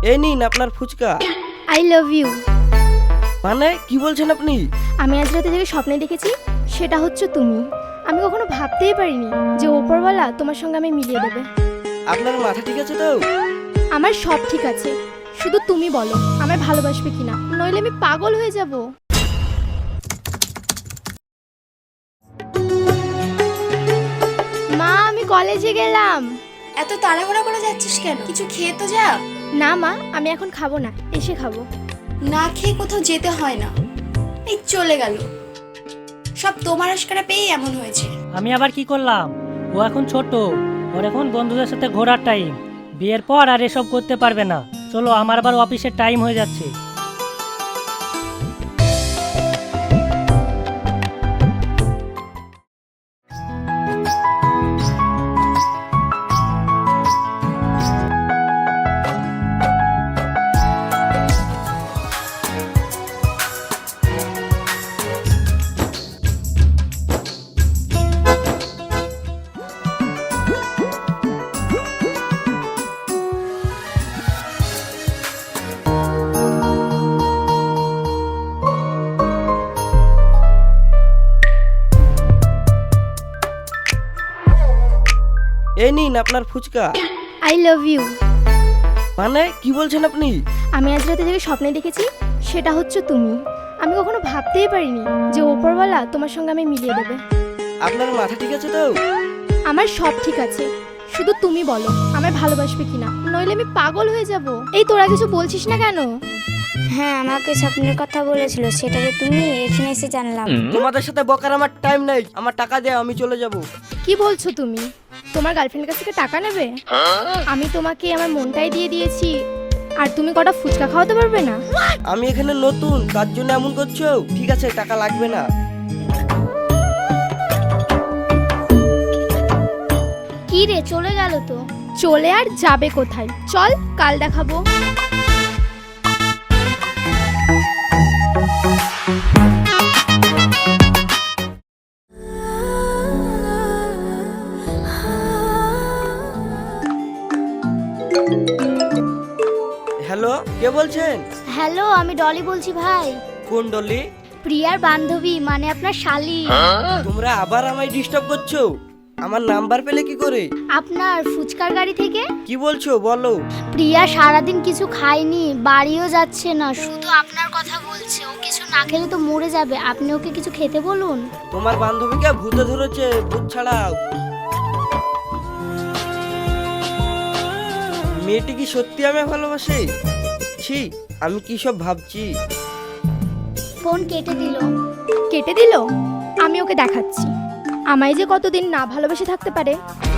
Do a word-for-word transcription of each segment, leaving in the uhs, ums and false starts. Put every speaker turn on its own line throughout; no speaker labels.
এই নিন আপনার ফুচকা।
I love you.
মানে কি বলছেন আপনি?
আমি আজ রাতে যে স্বপ্নে দেখেছি সেটা হচ্ছে তুমি। আমি কখনো ভাবতেই পারিনি যে ওপরওয়ালা তোমার সঙ্গে আমি মিলিয়ে দেবে।
আপনার মাথা ঠিক আছে তো?
আমার সব ঠিক আছে, শুধু তুমি বলো আমায় ভালোবাসবে কিনা, নইলে আমি পাগল হয়ে যাব। মা, আমি কলেজে গেলাম।
এত তাড়াহুড়া করে যাচ্ছিস কেন? কিছু খেয়ে তো যা।
না মা, আমি এখন খাবো না, এসে খাবো।
না খেয়ে কোথাও যেতে হয় না। এই চলে গেল, সব তোমার আশকারা পেয়ে এমন হয়েছে।
আমি আবার কি করলাম? ও এখন ছোট, ওর এখন বন্ধুদের সাথে ঘোরার টাইম। বিয়ের পর আর এসব করতে পারবে না। চলো, আমার আবার অফিসের টাইম হয়ে যাচ্ছে।
এই নিন আপনার ফুচকা।
I love you.
মানে কি বলছেন আপনি?
আমি আজ রাতে যে স্বপ্নে দেখেছি সেটা হচ্ছে তুমি। আমি কখনো ভাবতেই পারিনি যে ওপরওয়ালা তোমার সঙ্গে আমি মিলিয়ে দেবে।
আপনার মাথা ঠিক আছে তো?
আমার সব ঠিক আছে, শুধু তুমি বলো আমায় ভালোবাসবে কিনা, নইলে আমি পাগল হয়ে যাব। এই তোরা কিছু বলছিস না কেন?
হ্যাঁ, আমাকে স্বপ্নের কথা বলেছিল, সেটা যে তুমি এখানে এসে জানলাম।
তোমাদের সাথে বকার আমার টাইম নেই। আমার টাকা দাও, আমি চলে যাব।
কি বলছো তুমি? তোমার গার্লফ্রেন্ডের কাছ থেকে টাকা নেবে? আমি তোমাকে আমার মনটাই দিয়ে দিয়েছি, আর তুমি কটা ফুচকা খাওয়াতে পারবে না?
আমি এখানে নতুন, তার জন্য এমন করছো? ঠিক আছে, টাকা লাগবে না।
কি রে, চলে গেল তো? চলে আর যাবে কোথায়? চল, কাল দেখাবো।
হ্যালো, কে বলছেন?
হ্যালো, আমি ডলি বলছি ভাই।
কোন ডলি?
প্রিয়ার বান্ধবী, মানে আপনার শালি।
তোমরা আবার আমায় ডিস্টার্ব করছো? আমার নাম্বার পেলে কি করে?
আপনার ফুচকার গাড়ি থেকে।
কি বলছো বলো?
প্রিয়া সারাদিন কিছু খায়নি, বাড়িও যাচ্ছে না, শুধু আপনার কথা বলছে। ও কিছু না খেলে তো মরে যাবে, আপনি ওকে কিছু খেতে বলুন।
তোমার বান্ধবীকে ভূতে ধরেছে, ভূত ছাড়াও। মেয়েটি কি সত্যি আমায় ভালোবাসে? ছি, আমি কি সব ভাবছি।
ফোন কেটে দিল।
কেটে দিল? আমি ওকে দেখাচ্ছি আমায় যে কতদিন না ভালোবেসে থাকতে পারে।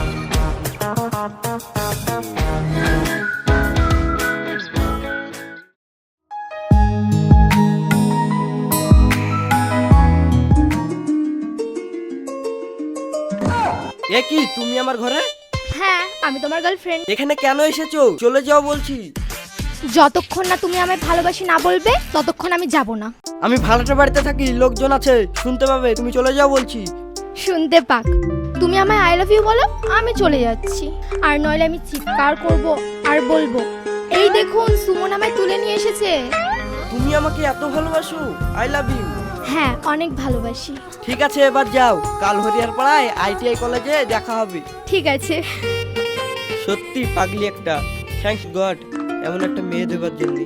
এ কি, তুমি আমার ঘরে?
হ্যাঁ, আমি তোমার গার্লফ্রেন্ড।
এখানে কেন এসেছো? চলে যাও বলছি।
যতক্ষণ না তুমি আমায় ভালোবাসি না বলবে ততক্ষণ আমি যাব না।
আমি ভাড়াটা বাড়িতে থাকি, লোকজন আছে, শুনতে পাবে। তুমি চলে যাও বলছি।
শুনতে পাক, তুমি আমায় আই লাভ ইউ বলো, আমি চলে যাচ্ছি। আর নইলে আমি চিৎকার করব আর বলবো, এই দেখুন সুমন আমায় তুলে নিয়ে এসেছে।
তুমি আমাকে এত ভালোবাসো? I love you.
হ্যাঁ, অনেক ভালোবাসি।
ঠিক আছে, এবার যাও। কাল হরিয়ার পাড়ায় আইটিআই কলেজে দেখা হবে।
ঠিক আছে।
সত্যি পাগলি একটা। থ্যাঙ্কস গড এমন একটা মেয়ে দেবার জন্য।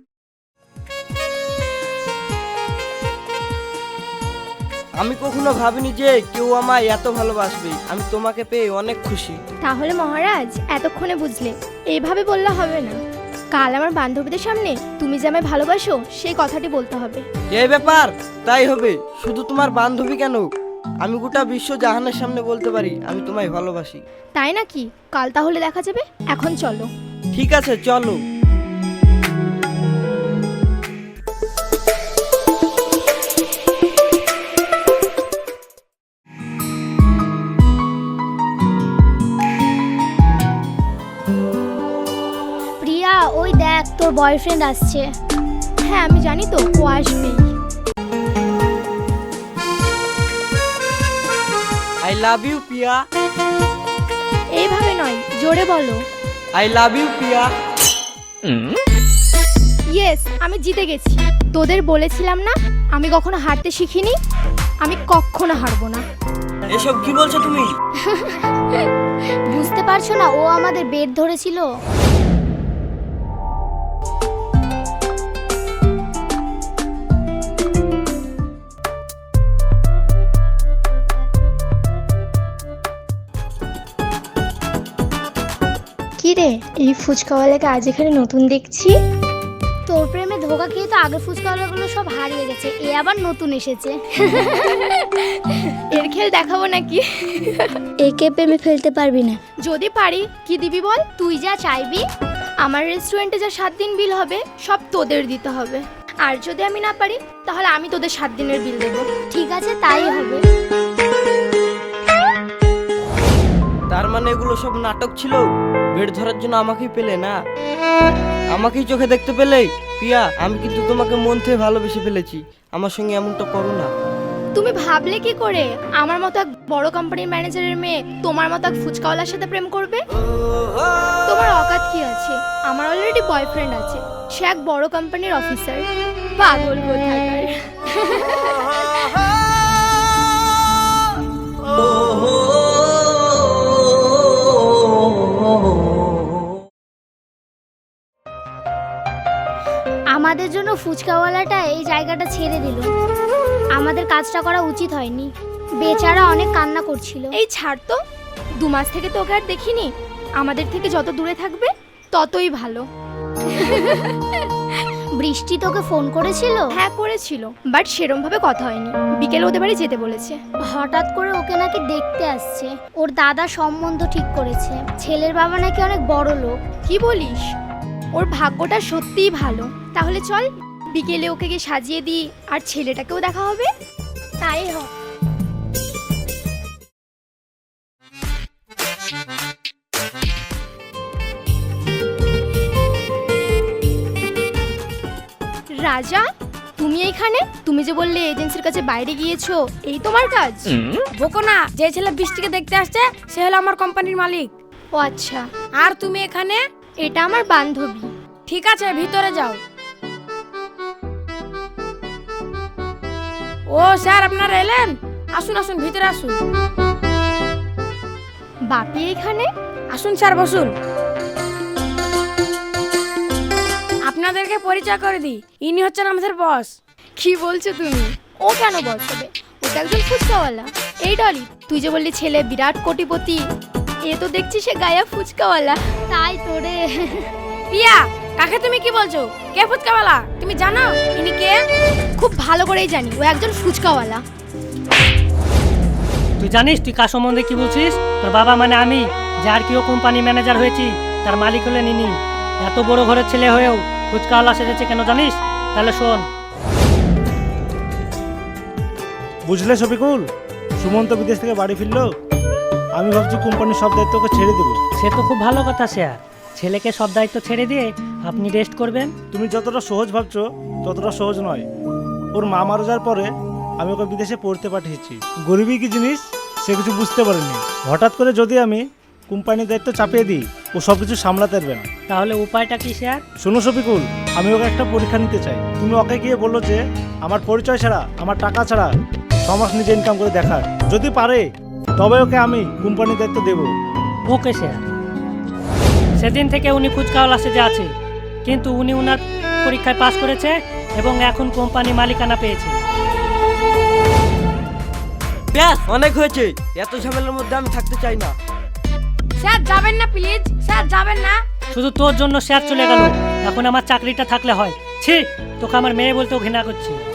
আমি কখনো ভাবিনি যে কেউ আমায় এত ভালোবাসবে। আমি তোমাকে পেয়ে অনেক খুশি।
তাহলে মহারাজ এতক্ষণে বুঝলে, এইভাবে বললে হবে না। কাল আমার বান্ধবীদের সামনে তুমি যে আমায় ভালোবাসো সেই কথাটি বলতে হবে।
এই ব্যাপার? তাই হবে। শুধু তোমার বান্ধবী কেন, আমি গোটা বিশ্ব জাহানের সামনে বলতে পারি আমি তোমায় ভালোবাসি।
তাই নাকি? কাল তাহলে দেখা যাবে, এখন চলো।
ঠিক আছে, চলো।
প্রিয়া, ওই দেখ তোর বয়ফ্রেন্ড আসছে।
হ্যাঁ, আমি জানি তো ও আসবেই।
I love you Piya.
এইভাবে নয়, জোরে বলো।
I love you Piya.
Yes, আমি জিতে গেছি। তোদের বলেছিলাম না আমি কখনো হারতে শিখিনি, আমি কখনো হারবো না।
এসব কি বলছো তুমি?
বুঝতে পারছো না ও আমাদের বেড ধরেছিল?
কি রে, এই ফুচকাওয়ালাকে আজ এখানে নতুন দেখছি।
তোর প্রেমে ধোকা খেয়ে তো আগের ফুচকাওয়ালাগুলো সব হারিয়ে গেছে, এ আবার নতুন এসেছে।
এর খেল দেখাবো নাকি?
একে প্রেমে ফেলতে পারবি না।
যদি পারি, কি দিবি বল?
তুই যা চাইবি।
আমার রেস্টুরেন্টে যা সাত দিন বিল হবে সব তোদের দিতে হবে, আর যদি আমি না পারি তাহলে আমি তোদের সাত দিনের বিল দেবো।
ঠিক আছে, তাই হবে।
তার মানে এগুলো সব নাটক ছিল? বেড ধরার জন্য আমাকেই পেলে না? আমাকেই চোখে দেখতে পেলে? পিয়া, আমি কিন্তু তোমাকে মন থেকে ভালোবেসে ফেলেছি, আমার সঙ্গে এমনটা করো না।
তুমি ভাবলে কি করে আমার মতো এক বড় কোম্পানির ম্যানেজারের মেয়ে তোমার মতো এক ফুচকাওয়ালার সাথে প্রেম করবে? তোমার অকাত কি আছে? আমার অলরেডি বয়ফ্রেন্ড আছে, সে এক বড় কোম্পানির অফিসার। পাগল কোথাকার।
আমাদের জন্য ফুচকাওয়ালাটা এই জায়গাটা ছেড়ে দিল। আমাদের কাজটা করা উচিত হয়নি। বেচারা অনেক কান্না করছিল।
এই ছাড় তো, দু মাস থেকে তোকে আর দেখিনি। আমাদের থেকে যত দূরে থাকবে ততই ভালো।
বৃষ্টি তোকে ফোন করেছিল?
হ্যাঁ করেছিল, বাট সেরম ভাবে কথা হয়নি। বিকেলে ওদের বাড়ি যেতে বলেছে।
হঠাৎ করে ওকে নাকি দেখতে আসছে। ওর দাদা সম্বন্ধ ঠিক করেছে। ছেলের বাবা নাকি অনেক বড় লোক।
কি বলিস? ওর ভাগ্যটা সত্যিই ভালো। তাহলে চল বিকেলে ওকে গিয়ে সাজিয়ে দিই, আর ছেলেটাকেও দেখা হবে।
তাই হোক।
রাজা, তুমি এইখানে? তুমি যে বললে এজেন্সির কাছে বাইরে গিয়েছো, এই তোমার কাজ?
বকো না, যে ছেলে বৃষ্টিকে দেখতে আসছে সে হলো আমার কোম্পানির মালিক।
ও আচ্ছা,
আর তুমি এখানে?
এটা আমার বান্ধবী।
ঠিক আছে, ভিতরে যাও। ও স্যার, আপনারা এলেন? আসুন আসুন, ভিতরে আসুন।
বাপি এখানে?
আসুন স্যার, বসুন। আপনাদেরকে পরিচয় করে দিই, ইনি হচ্ছেন আমাদের বস।
কি বলছো তুমি? ও কেন বস হবে? ও তো একজন ফুচকাওয়ালা। এই ডলি, তুই যে বললি ছেলে বিরাট কোটিপতি, এ তো দেখছি সে গায়া ফুচকাওয়ালা।
তাই তোরে।
পিয়া, কাকে তুমি কি বলছো? কে ফুচকাওয়ালা তুমি জানো? ইনি কে?
খুব ভালো করেই জানি, ও একজন ফুচকাওয়ালা।
তুই জানিস তুই কার সম্বন্ধে কি বলছিস? তোর বাবা মানে আমি, যার কিও কোম্পানি ম্যানেজার হয়েছি, তার মালিক হলেন ইনি। এত বড় ঘরের ছেলে হয়েও ফুচকাওয়ালা সেজেছে কেন জানিস? তাহলে শোন।
বুঝলে শফিকুল, সুমন্ত বিদেশ থেকে বাড়ি ফিরলো। আমি ভাবছি কোম্পানির সব দায়িত্ব ওকে ছেড়ে দেবো।
সে তো খুব ভালো কথা স্যার। ছেলেকে সব দায়িত্ব ছেড়ে দিয়ে আপনি রেস্ট করবেন।
তুমি যতটা সহজ ভাবছো ততটা সহজ নয়। ওর মা মারা যাওয়ার পরে আমি ওকে বিদেশে পড়তে পাঠিয়েছি। গরিবই কি জিনিস সে কিছু বুঝতে পারেনি। হঠাৎ করে যদি আমি কোম্পানির দায়িত্ব চাপিয়ে দিই, ও সব কিছু সামলাতে পারবে না।
তাহলে উপায়টা কি স্যার?
শোনো শফিকুল, আমি ওকে একটা পরীক্ষা নিতে চাই। তুমি ওকে গিয়ে বললো যে আমার পরিচয় ছাড়া, আমার টাকা ছাড়া ছমাস নিজে ইনকাম করে দেখার। যদি পারে তবে ওকে আমি কোম্পানির দায়িত্ব দেবো।
Okay sir. সেদিন থেকে উনি ফুচকাওয়ালা সেজে আছে, কিন্তু উনি উনার পরীক্ষায় পাশ করেছে এবং এখন কোম্পানি মালিকানা পেয়েছে।
ব্যাস, অনেক হয়েছে। এত ঝামেলার মধ্যে আমি থাকতে চাই না।
স্যার যাবেন না প্লিজ, স্যার যাবেন না।
শুধু তোর জন্য স্যার চলে গেল, এখন আমার চাকরিটা থাকলে হয়। ছি, তোকে আমার মেয়ে বলতেও ঘৃণা করছি।